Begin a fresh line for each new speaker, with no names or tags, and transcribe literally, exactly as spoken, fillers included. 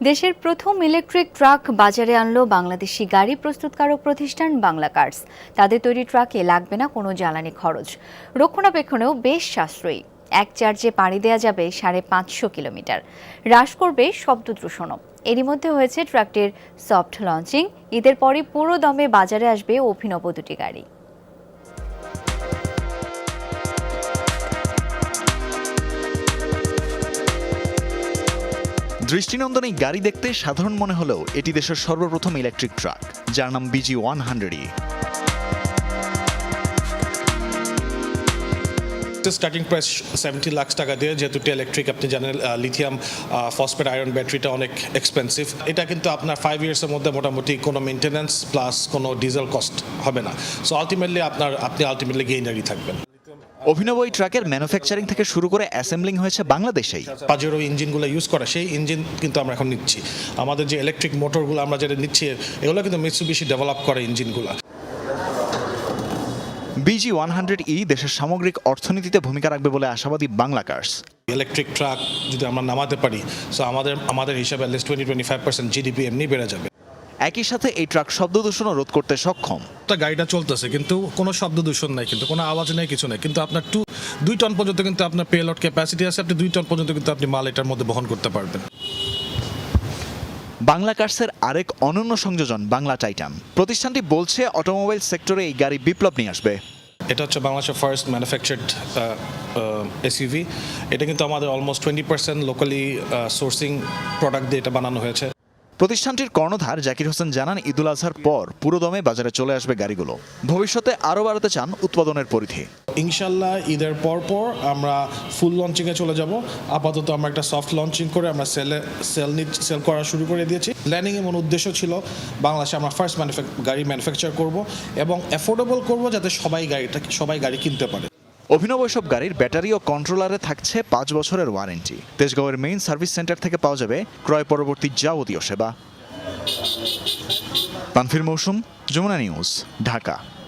দেশের প্রথম electric truck বাজারে আনলো বাংলাদেশি গাড়ি প্রস্তুতকারক প্রতিষ্ঠান বাংলা কার্স। তাদের তৈরি ট্রাকে লাগবে না কোনো জ্বালানি খরচ, রক্ষণাবেক্ষণেও বেশ সাশ্রয়ী। এক চার্জে পাড়ি দেওয়া যাবে সাড়ে পাঁচশো কিলোমিটার, হ্রাস করবে শব্দ দূষণও। এরই মধ্যে হয়েছে ট্রাকটির সফট লঞ্চিং। ঈদের পরই পুরো দমে বাজারে আসবে অভিনব দুটি গাড়ি।
দৃষ্টিনন্দন এই গাড়ি দেখতে সাধারণ মনে হলেও এটি দেশের সর্বপ্রথম ইলেকট্রিক ট্রাক, যার নাম BG one hundred E.
Starting price seventy lakh টাকা দিয়ে, যেহেতু ইলেকট্রিক আপনি জানেন লিথিয়াম ফসফেট আয়রন ব্যাটারিটা অনেক এক্সপেন্সিভ। এটা কিন্তু আপনার ফাইভ ইয়ার্সের মধ্যে মোটামুটি কোনো মেনটেন্যান্স প্লাস কোনো ডিজেল কস্ট হবে না। সো আলটিমেটলি আপনার আপনি আলটিমেটলি গেইনারই থাকবেন।
অভিনব এই ট্রাকের ম্যানুফ্যাকচারিং থেকে শুরু করে অ্যাসেম্বলিং হয়েছে বাংলাদেশেই।
পাজেরো ইঞ্জিনগুলো ইউজ করে সেই ইঞ্জিন কিন্তু আমরা এখন নিচ্ছি। আমাদের যে ইলেকট্রিক মোটরগুলো আমরা যেটা নিচ্ছি এগুলো কিন্তু মিৎসুবিশি ডেভেলপ করে ইঞ্জিনগুলো।
বিজি ওয়ান হান্ড্রেড ই দেশের সামগ্রিক অর্থনীতিতে ভূমিকা রাখবে বলে আশাবাদী বাংলা কার্স।
ইলেকট্রিক ট্রাক যদি আমরা নামাতে পারি, সো আমাদের আমাদের হিসাবে at least twenty twenty five percent GDP এমনি বেড়ে যাবে।
একই সাথে এই ট্রাক শব্দ দূষণও রোধ করতে সক্ষম।
গাড়িটা চলতেছে কিন্তু কোনো শব্দ দূষণ নাই, কিন্তু কোনো আওয়াজ নেই, কিছু নেই, কিন্তু আপনার টু দুই টন পর্যন্ত কিন্তু আপনার পেলট ক্যাপাসিটি আছে। আপনি দুই টন পর্যন্ত কিন্তু আপনি মাল এটার মধ্যে বহন করতে পারবেন।
বাংলা কার্সের আরেক অনন্য সংযোজন বাংলা টাইটান। প্রতিষ্ঠানটি বলছে অটোমোবাইল সেক্টরে এই গাড়ি বিপ্লব নিয়ে আসবে।
এটা হচ্ছে বাংলাদেশের ফার্স্ট ম্যানুফ্যাকচার্ড এসইউভি। এটা কিন্তু আমাদের almost twenty percent locally sourcing product দিয়ে এটা বানানো হয়েছে।
প্রতিষ্ঠানটির কর্ণধার জাকির হোসেন জানান, ঈদুল আজহার পর পুরোদমে বাজারে চলে আসবে গাড়িগুলো। ভবিষ্যতে আরও বাড়াতে চান উৎপাদনের পরিধি।
ইনশাল্লাহ ঈদের পর পর আমরা ফুল লঞ্চিংয়ে চলে যাব। আপাতত আমরা একটা সফট লঞ্চিং করে আমরা সেলে সেল সেল করা শুরু করে দিয়েছি। প্ল্যানিং এমন উদ্দেশ্য ছিল বাংলাদেশে আমরা ফার্স্ট ম্যানুফ্যাক গাড়ি ম্যানুফ্যাকচার করব এবং অ্যাফোর্ডেবল করব, যাতে সবাই গাড়িটা সবাই গাড়ি কিনতে পারে।
অভিনব এসব গাড়ির ব্যাটারি ও কন্ট্রোলারে থাকছে পাঁচ বছরের ওয়ারেন্টি। তেজগাঁওয়ের মেইন সার্ভিস সেন্টার থেকে পাওয়া যাবে ক্রয় পরবর্তী যাবতীয় সেবা। তানভীর মৌসুম, যমুনা নিউজ, ঢাকা।